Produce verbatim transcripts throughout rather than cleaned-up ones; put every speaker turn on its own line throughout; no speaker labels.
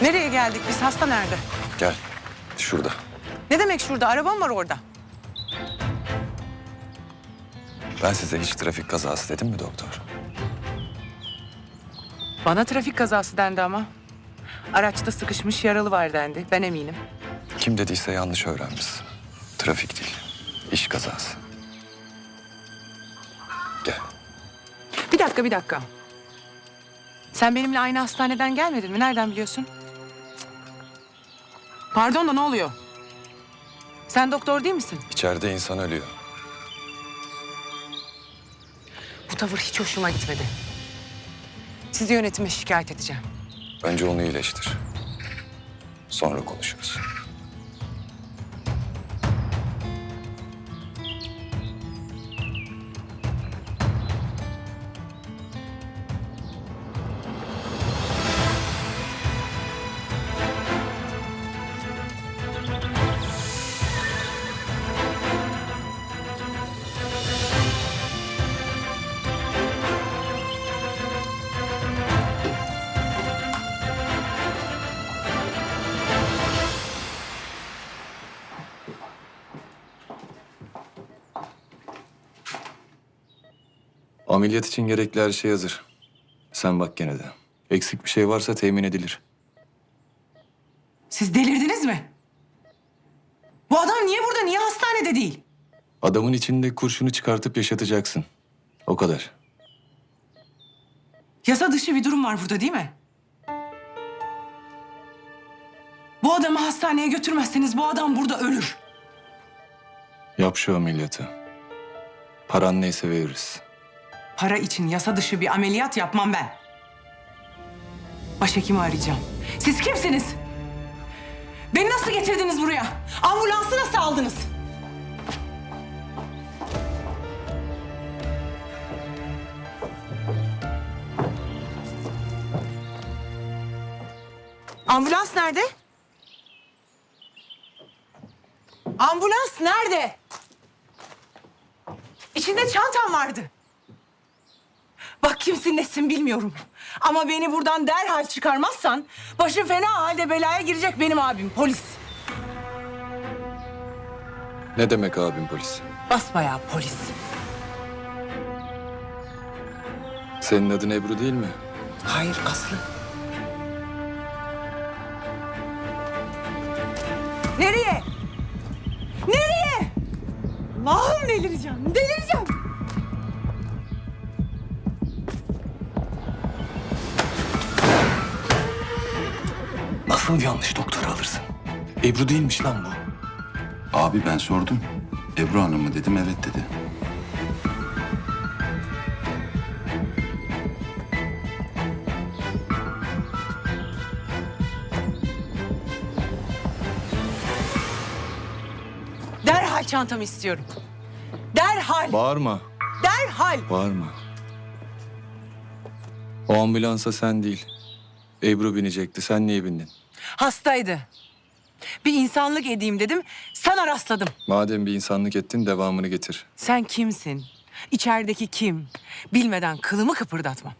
Nereye geldik biz? Hasta nerede?
Gel. Şurada.
Ne demek şurada? Arabam var orada.
Ben size hiç trafik kazası dedim mi doktor?
Bana trafik kazası dendi ama. Araçta sıkışmış yaralı var dendi. Ben eminim.
Kim dediyse yanlış öğrenmişsin. Trafik değil. İş kazası. Gel.
Bir dakika, bir dakika. Sen benimle aynı hastaneden gelmedin mi? Nereden biliyorsun? Pardon da ne oluyor? Sen doktor değil misin?
İçeride insan ölüyor.
Bu tavır hiç hoşuma gitmedi. Sizi yönetime şikayet edeceğim.
Önce onu iyileştir. Sonra konuşuruz. Ameliyat için gerekli her şey hazır. Sen bak gene de. Eksik bir şey varsa temin edilir.
Siz delirdiniz mi? Bu adam niye burada, niye hastanede değil?
Adamın içinde kurşunu çıkartıp yaşatacaksın. O kadar.
Yasa dışı bir durum var burada değil mi? Bu adamı hastaneye götürmezseniz bu adam burada ölür.
Yap şu ameliyatı. Paran neyse veririz.
Para için yasa dışı bir ameliyat yapmam ben. Başhekimi arayacağım. Siz kimsiniz? Beni nasıl getirdiniz buraya? Ambulansı nasıl aldınız? Ambulans nerede? Ambulans nerede? İçinde çantam vardı. Bak kimsin nesin bilmiyorum. Ama beni buradan derhal çıkarmazsan başın fena halde belaya girecek benim abim polis.
Ne demek abim polis?
Basbayağı polis.
Senin adın Ebru değil mi?
Hayır Aslı. Nereye? Nereye? Allah'ım delireceğim, delireceğim.
Nasıl yanlış doktora alırsın? Ebru değilmiş lan bu.
Abi ben sordum. Ebru Hanım mı dedim, evet dedi.
Derhal çantamı istiyorum. Derhal,
Bağırma,
derhal.
bağırma. O ambulansa sen değil, Ebru binecekti. Sen niye bindin?
Hastaydı. Bir insanlık edeyim dedim, sana rastladım.
Madem bir insanlık ettin, devamını getir.
Sen kimsin? İçerideki kim? Bilmeden kılımı kıpırdatmam.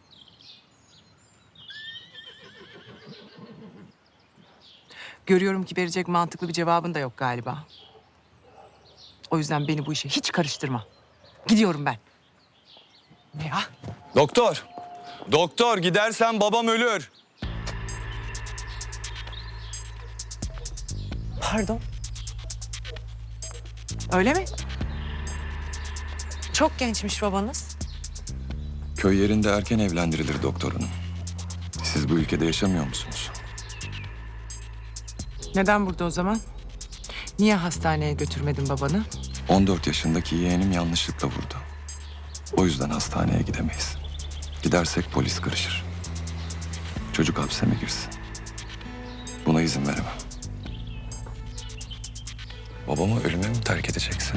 Görüyorum ki verecek mantıklı bir cevabın da yok galiba. O yüzden beni bu işe hiç karıştırma. Gidiyorum ben. Ne ya?
Doktor! Doktor, gidersen babam ölür.
Pardon. Öyle mi? Çok gençmiş babanız.
Köy yerinde erken evlendirilir doktor hanım. Siz bu ülkede yaşamıyor musunuz?
Neden burada o zaman? Niye hastaneye götürmedin babanı?
on dört yaşındaki yeğenim yanlışlıkla vurdu. O yüzden hastaneye gidemeyiz. Gidersek polis karışır. Çocuk hapse mi girsin? Buna izin veremem. Babamı ölüme mi terk edeceksin?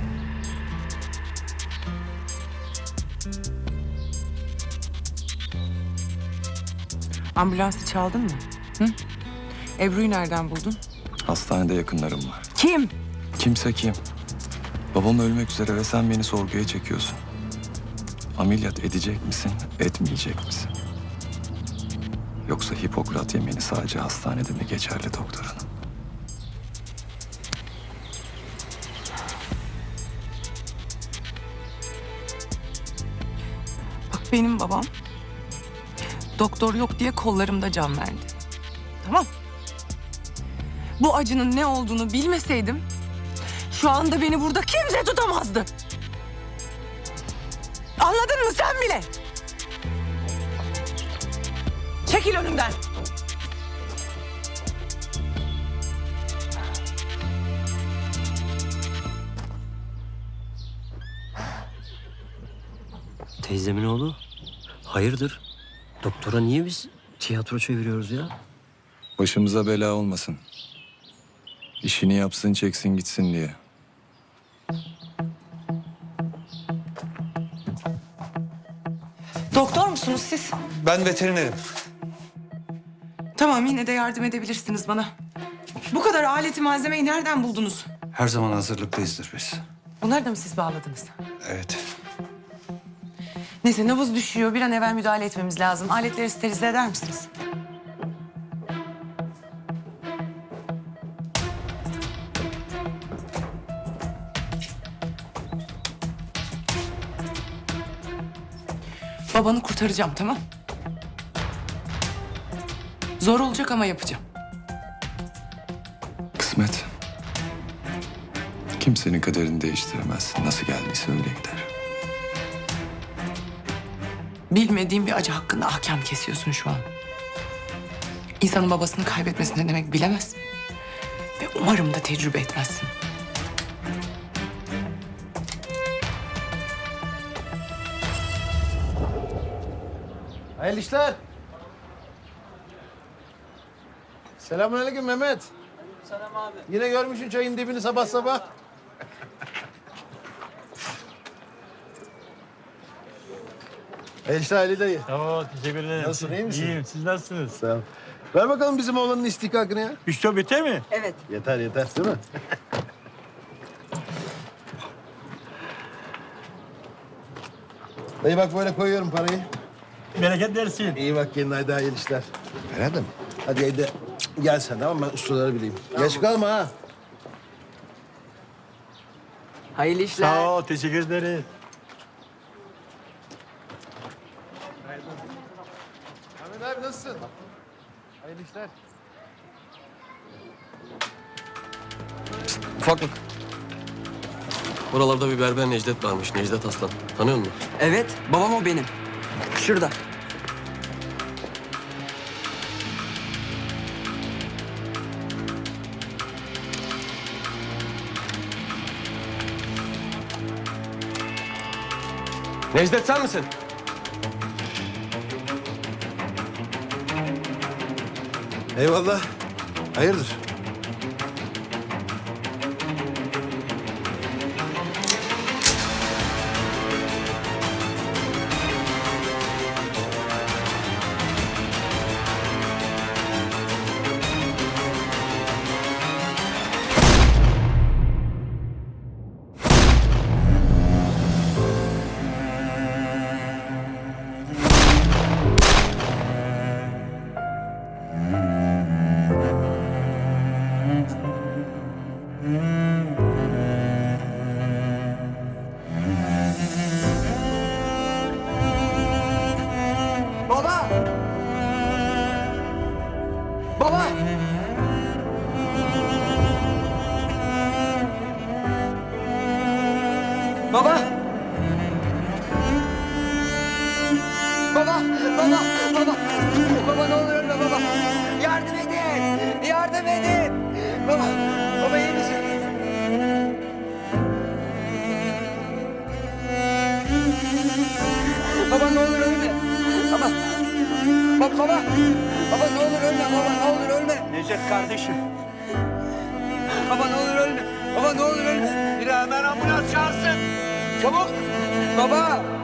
Ambulansı çaldın mı? Hı? Ebru'yu nereden buldun?
Hastanede yakınlarım var.
Kim?
Kimse kim? Babam ölmek üzere ve sen beni sorguya çekiyorsun. Ameliyat edecek misin, etmeyecek misin? Yoksa Hipokrat yemini sadece hastanede mi geçerli doktor hanım?
Bak benim babam doktor yok diye kollarımda can verdi. Tamam. Bu acının ne olduğunu bilmeseydim şu anda beni burada kimse tutamazdı. Anladın mı sen bile? Çekil önümden.
Teyzemin oğlu. Hayırdır? Doktora niye biz tiyatro çeviriyoruz ya?
Başımıza bela olmasın. İşini yapsın, çeksin gitsin diye.
Doktor musunuz siz?
Ben veterinerim.
Tamam, yine de yardım edebilirsiniz bana. Bu kadar aleti malzemeyi nereden buldunuz?
Her zaman hazırlıklıyızdır biz.
Bunları da mı siz bağladınız?
Evet.
Neyse, nabız düşüyor. Bir an evvel müdahale etmemiz lazım. Aletleri sterilize eder misiniz? Babanı kurtaracağım, tamam? Zor olacak ama yapacağım.
Kısmet. Kimsenin kaderini değiştiremezsin. Nasıl geldiyse öyle gider.
Bilmediğim bir acı hakkında ahkam kesiyorsun şu an. İnsanın babasını kaybetmesi ne demek bilemezsin. Ve umarım da tecrübe etmezsin.
Hayırlı işler. Selamünaleyküm Mehmet. Selam abi. Yine görmüşsün çayın dibini sabah sabah. Hayırlı işler Ali dayı.
Oo, teşekkür ederim.
Nasılsın, iyi misin?
İyiyim, siz nasılsınız?
Sağ ol. Ver bakalım bizim oğlanın istihkakını ya.
Üç top yeter mi?
Yeter yeter değil mi? Dayı bak böyle koyuyorum parayı.
Bereket versin.
İyi bak kendine, hadi hayırlı işler. Ferhat'ım hadi evde gel sen, tamam mı? Ben ustaları bileyim. Geç kalma ha.
Hayırlı işler.
Sağ ol, teşekkür ederim.
Ahmet abi nasılsın? Hayırlı işler.
Ufaklık. Buralarda bir berber Necdet varmış. Necdet Aslan. Tanıyor musun?
Evet, babam o benim. Şurada.
Necdet sen misin?
Eyvallah. Hayırdır?
Baba! Baba! Baba! Baba! Baba! Baba! Baba ne olur ölme baba! Yardım edin! Yardım edin! Baba! Baba iyi misin? Baba ne olur ölme! Baba! Bak baba! Baba ne olur ölme baba, ne olur ölme!
Necdet kardeşim.
Baba ne olur ölme! Baba ne olur ölme!
Bir hemen ambulans çağırsın.
Çabuk! Baba!